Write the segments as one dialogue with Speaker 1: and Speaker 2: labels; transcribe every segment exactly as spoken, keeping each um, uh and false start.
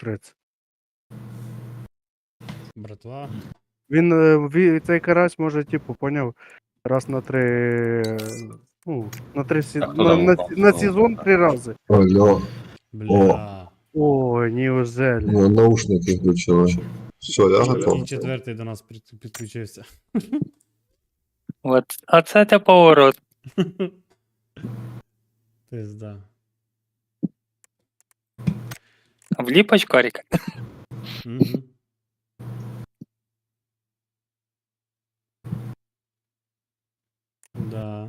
Speaker 1: тридцять.
Speaker 2: Братва.
Speaker 1: Він, е, ві- цей карась може, типу, поняв, раз на три. е, Ну, на три сі...
Speaker 3: А хто
Speaker 1: на,
Speaker 3: там
Speaker 1: на,
Speaker 3: упав?
Speaker 1: на
Speaker 3: Хто
Speaker 1: сезон
Speaker 3: упав?
Speaker 1: три рази.
Speaker 4: Алло,
Speaker 2: Бля.
Speaker 1: Ой, неужели?
Speaker 4: ну, наушники включили. Все, я
Speaker 3: Що,
Speaker 4: готов.
Speaker 2: І четвертий до нас під- підключився.
Speaker 5: От, а це те поворот.
Speaker 2: Пизда.
Speaker 5: Вліпач коріка.
Speaker 2: Угу. Да.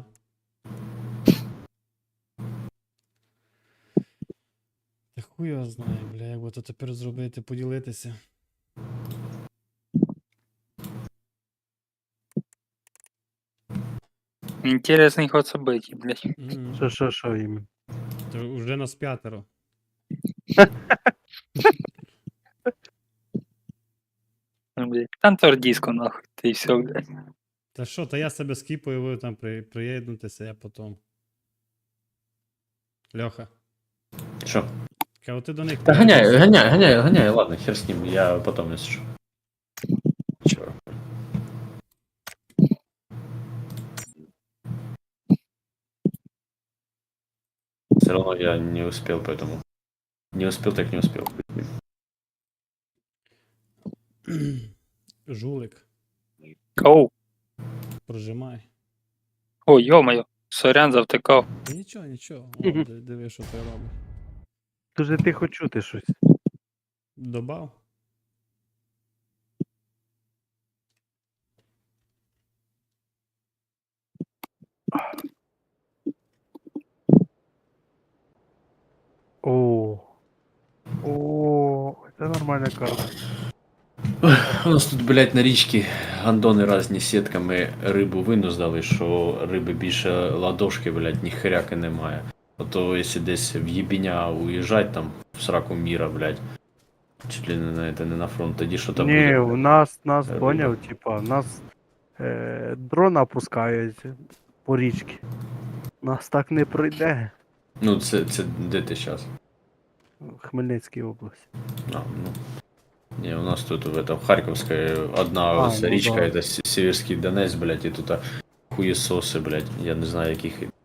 Speaker 2: Та хуй його знає, бля, як би то тепер зробити, поділитися.
Speaker 5: Інтересний ход событий, блядь.
Speaker 2: Мгм.
Speaker 1: Що, що, що їм?
Speaker 2: То вже нас п'ятеро.
Speaker 5: Ну, блядь. Танцор диско, нахуй. Ти все, блядь.
Speaker 2: Та що, та я себе скіпаю, ви там при, приєднуйтеся, я потім. Льоха,
Speaker 3: Що?
Speaker 2: кого ти до них
Speaker 3: Та ганяй,
Speaker 2: приєднуйся.
Speaker 3: ганяй, ганяй, ганяй, ладно, хер з ним, я потом если Чё? Все равно я не успел, поэтому... Не успел, так не успел.
Speaker 2: Жулик,
Speaker 5: Оу.
Speaker 2: прожимай.
Speaker 5: О, йо-моє. Сорян завтикав.
Speaker 2: Та нічого, нічого. О,
Speaker 1: Мгм.
Speaker 2: ди- диви, що ти робиш.
Speaker 1: Дуже тихо чути щось.
Speaker 2: Добав?
Speaker 1: О. О, це нормальна карта.
Speaker 3: У нас тут, блядь, на річці гандони разні сітками рибу винуздали, що риби більше ладошки, блядь, ні хряки немає. А то якщо десь в Єбіня уїжджать там в сраку міра, блядь, чуть ли не на, это, не на фронт, тоді що там
Speaker 1: Ні,
Speaker 3: буде.
Speaker 1: у нас, нас
Speaker 3: Риба.
Speaker 1: поняв, типа, нас е, дрон опускають по річці. Нас так не пройде.
Speaker 3: Ну, це, це де ти зараз?
Speaker 1: Хмельницькій області.
Speaker 3: А, ну. Не, у нас тут в, это, в Харьковской одна
Speaker 1: А,
Speaker 3: ось
Speaker 1: ну
Speaker 3: річка,
Speaker 1: да.
Speaker 3: это С- Северский Донец, блядь, і тут хуєсоси, блядь, я не знаю, яких